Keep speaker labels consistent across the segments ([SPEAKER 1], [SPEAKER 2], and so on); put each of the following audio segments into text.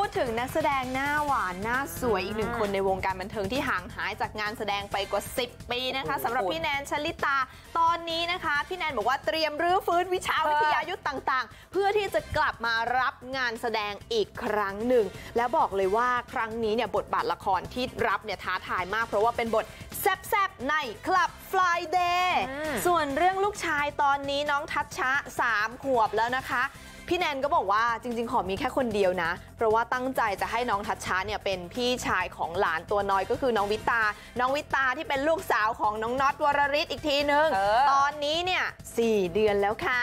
[SPEAKER 1] ดถึงนักแสดงหน้าหวานหน้าสวยอีกหนึ่งคนในวงการบันเทิงที่ห่างหายจากงานแสดงไปกว่า10 ปีนะคะสำหรับพี่แนนชลิตาตอนนี้นะคะพี่แนนบอกว่าเตรียมรื้อฟื้นวิชาวิทยายุทธ์ต่างๆเพื่อที่จะกลับมารับงานแสดงอีกครั้งหนึ่งแล้วบอกเลยว่าครั้งนี้เนี่ยบทบาทละครที่รับเนี่ยท้าทายมากเพราะว่าเป็นบทแซ่บๆในคลับ Friday ส่วนเรื่องลูกชายตอนนี้น้องทัชชะ3 ขวบแล้วนะคะพี่แนนก็บอกว่าจริงๆขอมีแค่คนเดียวนะเพราะว่าตั้งใจจะให้น้องทัชชะเนี่ยเป็นพี่ชายของหลานตัวน้อยก็คือน้องวิตาที่เป็นลูกสาวของน้องน็อตวรริศอีกทีนึงตอนนี้เนี่ย4 เดือนแล้วค่ะ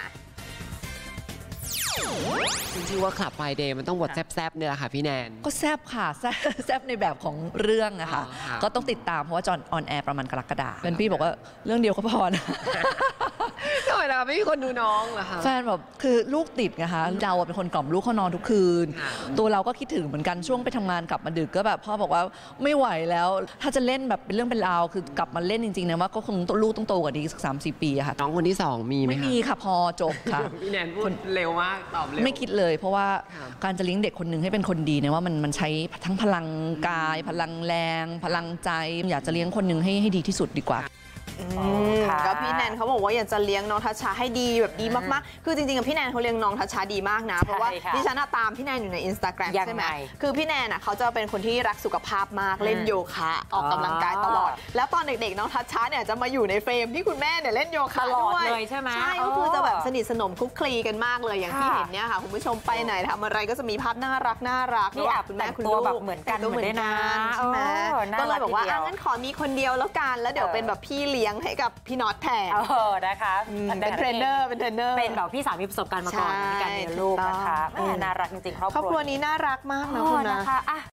[SPEAKER 2] จริงๆว่าคลับไฟเดย์มันต้องบทแซ่บๆเนี่ยแหละค่ะพี่แนน
[SPEAKER 3] ก็แซ่บค่ะแซ่บในแบบของเรื่องอะค่ะก็ต้องติดตามเพราะว่าจอนออนแอร์ประมาณกรกฎาคมเป็นพี่บอกว่าเรื่องเดียวก็พอนะ
[SPEAKER 2] ทำไมล่ะไม่มีคนดูน้องเหรอคะ
[SPEAKER 3] แฟนแบบคือลูกติดไงคะเราเป็นคนกล่อมลูกเขานอนทุกคืนตัวเราก็คิดถึงเหมือนกันช่วงไปทำงานกลับมาดึกก็แบบพ่อบอกว่าไม่ไหวแล้วถ้าจะเล่นแบบเป็นเรื่องเป็นราวคือกลับมาเล่นจริงๆนะว่าก็คงลูกต้องโตกว่านี้สัก3-4 ปีค่ะ
[SPEAKER 2] น้องคนที่2มีไหมคะ
[SPEAKER 3] ไม่มีค่ะพอจบค่ะ
[SPEAKER 2] พี่แนนพูดเร็วมากตอบเร็ว
[SPEAKER 3] ไม่คิดเลยเพราะว่าการจะเลี้ยงเด็กคนหนึ่งให้เป็นคนดีเนี่ยว่ามันใช้ทั้งพลังกายพลังแรงพลังใจอยากจะเลี้ยงคนหนึ่งให้ดีที่สุดดีกว่า
[SPEAKER 1] ก็พี่แนนเขาบอกว่าอยากจะเลี้ยงน้องทัชชาให้ดีแบบดีมากๆคือจริงๆพี่แนนเขาเลี้ยงน้องทัชชาดีมากนะเพราะว่าดิฉันตามพี่แนนอยู่ใน Instagram ใช่ไหมคือพี่แนนเขาจะเป็นคนที่รักสุขภาพมากเล่นโยคะออกกำลังกายตลอดแล้วตอนเด็กๆน้องทัชชาเนี่ยจะมาอยู่ในเฟรมที่คุณแม่เนี่ยเล่นโยคะด้วย
[SPEAKER 4] ใช่ไหม
[SPEAKER 1] ใช่ก็คือจะแบบสนิทสนมคลุกคลีกันมากเลยอย่างที่เห็นเนี่ยค่ะคุณผู้ชมไปไหนทำอะไรก็จะมีภาพน่ารัก
[SPEAKER 4] นี่แอบคุณแม่คุณลูกแบบเหมือนกัน
[SPEAKER 1] ใช่ไหมก็เลยบอกว่างั้นขอมีคนเดียวแล้วกันแล้วเดี๋ยวเป็นแบบพี่เลี้ยงให้กับพี่น็อตแทน
[SPEAKER 4] นะคะ
[SPEAKER 1] เป็นเทรนเนอร์
[SPEAKER 4] เป็นแบบพี่สาวมีประสบการณ์มาก่อนในการเลี้ยงลูกนะคะน่ารักจริงๆครอบครัว
[SPEAKER 1] นี้น่ารักมากนะคุณนะ